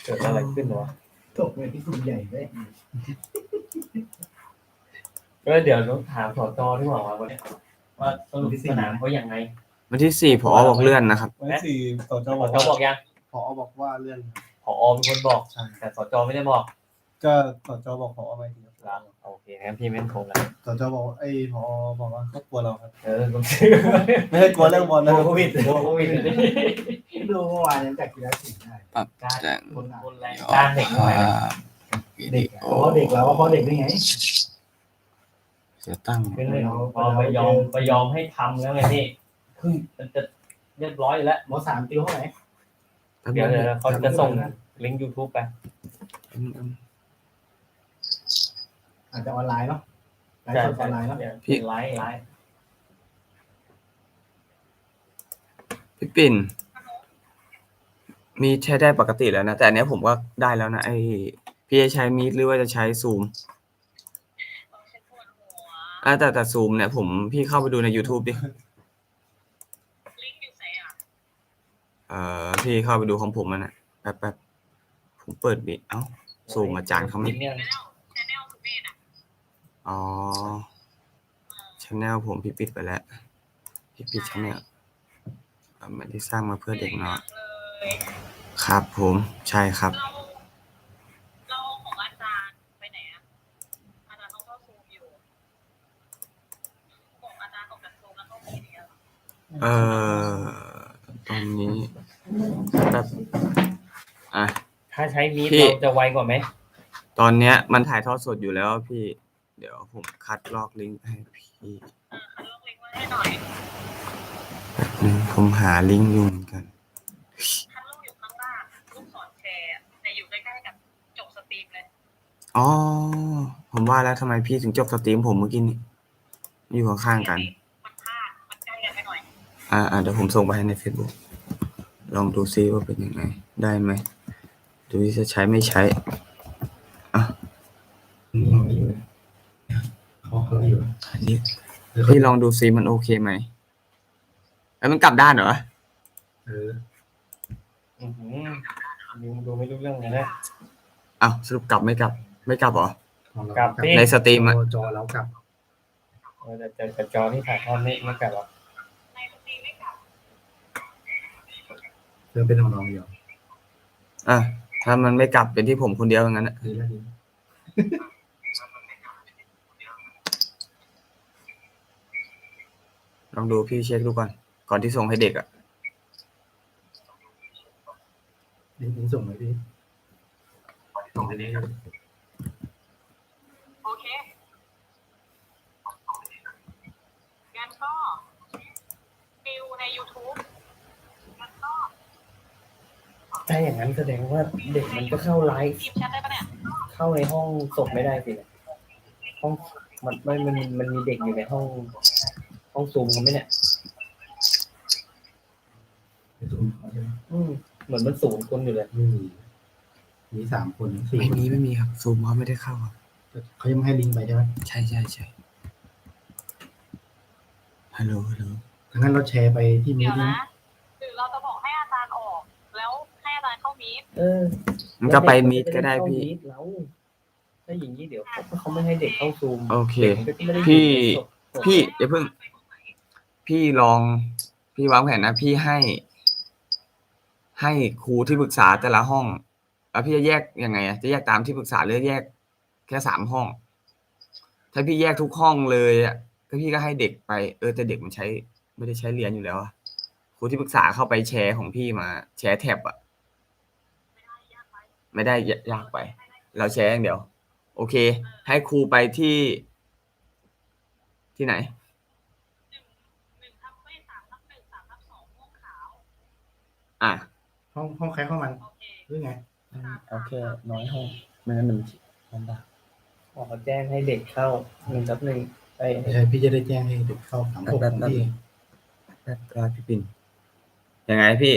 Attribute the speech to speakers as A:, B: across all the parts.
A: เกิดอะไรขึ้นวะ
B: ตกไปที่กลุ่มใหญ่เลย
A: ก็เดี๋ยวต้องถามสจที่บอกว่าวันนี้ว่าสรุปสนามเขาอย่างไง
C: วันที่ 4ผอบอกเลื่อนนะครับ
D: วันที่ 4 สจ
A: สจบอกยัง
D: ผอบอกว่าเลื่อน
A: ผอเป็นคนบอก
D: ใช่
A: แต่สจไม่ได้บอก
D: ก็สจบอกผอไปที
A: แล้วโอเคงั้นพี่ไม่ต้องโทรแล้ว
D: สจบอกผอบอกว่าเขากลัวเราครับ
A: ผมชื่อ
D: ไม่ให้กลัวเรื่องบอลนะ
A: โควิดโควิด
B: ดูเมื่อวานยังจากกีฬาสีได้
A: การคนแรงการเด็กหน่อย
B: เด็กเพราะเด็กแล้วเพราะเด็กได้ไง
C: จะตั้ง
A: เป็นเลยพอไปยอมให้ทำแล้วไงพี่คือมันจะเรียบร้อยแล้ว
B: หมอสามติวเท่าไหร่
A: เดี๋ยวเขาจะส่งลิงก์ YouTube ไป
B: อาจจะออนไลน์เนาะไลฟ์สดออนไลน์เนาะ
A: พี่ไลฟ์
C: พี่ปิ่นมีใช้ได้ปกติแล้วนะแต่อันเนี้ยผมก็ได้แล้วนะพี่จะใช้มีดหรือว่าจะใช้ซูมแต่ซูมเนี่ยพี่เข้าไปดูใน YouTube ดิพี่เข้าไปดูของผมมันนะแป๊บผมเปิดบิซูมอาจารย์เขาไม่อ๋อchannel ผมพี่ปิดไปแล้วพี่ปิด channel ไม่ได้สร้างมาเพื่อเด็กเนาะครับผมใช่ครับ
E: เราของอาจารย์ไปไหนอ่ะอาจารย์ต้องเข้าซูมอยู่ของอาจารย์ออกจากซูมแล้วเข้ามีเดีย
C: ตอนนี้แบบ
A: ถ้าใช้มีดเราจะไวกว่าไหม
C: ตอนเนี้ยมันถ่ายทอดสดอยู่แล้วพี่เดี๋ยวผมคัดลอกลิงก์ให้พี่
E: คัดลอกลิงก์ไว้ให้หน่อย
C: แบบนึงผมหาลิงก์อยู่เหมือนกัน
E: คัดลอกอยู่ข้างล่างลูกศรแชร์แต่อยู่ใกล้ๆกับจบสตรีมเลย
C: อ๋อผมว่าแล้วทำไมพี่ถึงจบสตรีมผมเมื่อกี้นี้อยู่ข้างๆกัน
E: มันพลาดมันใกล้กันไปหน่อย
C: เดี๋ยวผมส่งไปให้ใน Facebook ลองดูซิว่าเป็นยังไงได้ไหมดูว่าจะใช้ไม่ใช้พี่ลองดูซิมันโอเคไหมแล้วมันกลับด้านเหรอ
A: ดูไม่รู้เรื่องเลยนะ
C: สรุปกลับไม่กลับเหรอก
A: ลับ
C: ในสตรีม
D: จอแล้วกลับ
A: แต่จอที่ถ่ายทอดไม่กลับหรอก
E: ในสตรีมไม่กลับ
D: เริ่มเป็นของน้องอยู่
C: ถ้ามันไม่กลับเป็นที่ผมคนเดียวอย่างนั้น
D: ดีแล้วดี
C: ลองดูพี่เช็คดูก่อนที่ส่งให้เด็ก
D: ลิงก์ส่งไหมพี่ส่งให้เด็ก
E: โอเคงั้นก็ฟิวใน YouTube งั้นก็
A: ถ้าอย่างนั้นแสดงว่าเด็กมันก็เข้าไลฟ์
E: ทีมแชทได้ปะเนี่ย
A: เข้าในห้องศพไม่ได้สิห้องมันมีเด็กอยู่ในห้องซูมเขาไหมเนี่ยเหมือนมัน0 คนอยู่เลย
D: มี3 คน4
C: คนไม่มีครับซูมเขาไม่ได้เข้าครับ
D: เขายังไม่ให้ลิงก์ไปใช่ไหม
C: ใช่ฮัลโหล
D: งั้นเราแชร์ไปที่มี
E: เดี๋ยว
D: ด
E: นะหรือเราจะบอกให้อาจารย์ออกแล้วให้อาจารย์เข้ามีด
C: มันก็ไปมีดก็ได้พี่
A: ถ้าอย่างนี้เดี๋ยวเขาไม่ให้เด็กเข้าซูม
C: โอเคพี่อย่าเพิ่งพี่ลองพี่วางแผนนะพี่ให้ครูที่ปรึกษาแต่ละห้องแล้วพี่จะแยกยังไงจะแยกตามที่ปรึกษาหรือแยกแค่3 ห้องถ้าพี่แยกทุกห้องเลยก็พี่ก็ให้เด็กไปแต่เด็กมันไม่ได้ใช้เรียนอยู่แล้วครูที่ปรึกษาเข้าไปแชร์ของพี่มาแชร์แท็บไม่ได้ยากไปเราแชร์อย่างเดียวโอเคให้ครูไปที่ไหน
D: ห้องใครห้องมันหรือไง
A: เอาแค่น้อยห้องไม่งั้นมันลำบากเขาแจ้งให้เด็กเข้า1:1
D: ใช่พี่จะได้แจ้งให้เด็กเข้า36ที่
C: พี่ปิ่นยังไงพี่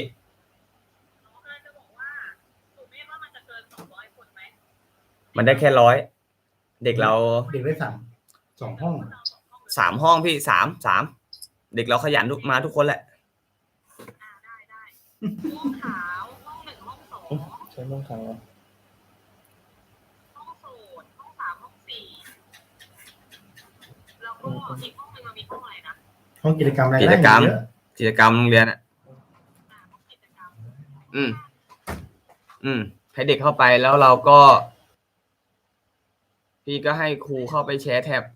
C: มันได้แค่100เด็กเรา
D: เด็กได้2 ห้อง
C: 3 ห้องพี่3เด็กเราขยันมาทุกคนแหละ
E: ได้ห้องขาวห้อง1ห้อง2
A: ช้ม่วงขาวเหรอ
E: ห้องสูตรห้อง3ห้อง4แล้วก็อีกห้องหนึงมันมีห้องอะไรนะ
B: ห้องกิจกรรมอะไร
C: กิจกรรม
B: เยอะ
C: กิจกรรมโรงเรียนอ่ะ
E: ห้องกิจกรรม
C: อืม ให้เด็กเข้าไปแล้วเราก็ พี่ก็ให้ครูเข้าไปแชร์แท็บ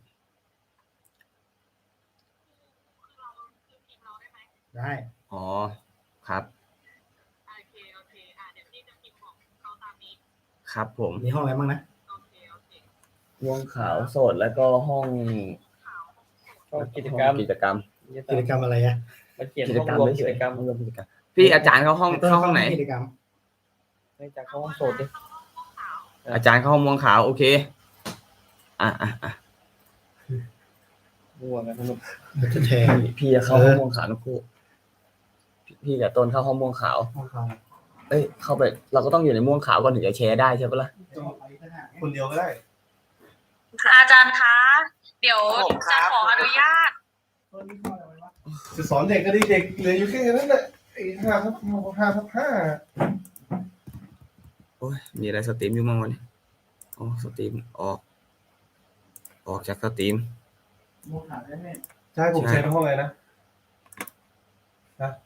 E: คือเราคือทีมเราได้ไหม
B: ได้
C: อ๋อครับ
E: โอเคเดี๋ยวพี่จะพิมพ์ของเขาตามนี้
C: ครับผม
B: มีห้องอะไรบ้างนะ
E: โอเค
A: ม่วงขาวโสดแล้วก็ห้องห้องกิจกรรม
C: กิจกรรม
B: กิจกรรมอะไรอะ
A: มันเขียนห้องรวมกิจกรรม
C: ห้องรวมกิจกรรมพี่อาจารย์เข้าห้องเข้าห้องไหน
B: กิจกรรม
A: ไม่จากห้องโสดดิ
C: อาจารย์เข้าห้องม่วงขาวโอเคอ่ะ
A: ม่วงกันสนุก
B: จะแทน
C: พี่จะเข้าห้องม่วงขาวนะครูพี่กับต้นเข้าห้องม่วงขาว
B: ห้องเขา
C: เอ้ยเข้าไปเราก็ต้องอยู่ในม่วงขาวก่อนถึงจะแชร์ได้ใช่ปะล่ะ
D: คนเดียวก็ได้
E: อาจารย์คะ เดี๋ยวจะขออนุญาต
D: จะสอนเด็กก็ดีเด็กเหลืออยู่แค่นั้นแหละไอ้5/5
C: โอ้ยมีอะไรสตรีมอยู่มั้งวันนี้อ๋อสตรีมออกจากสตรีม
D: ใช่ผมแชร์ในห้องอะไรนะ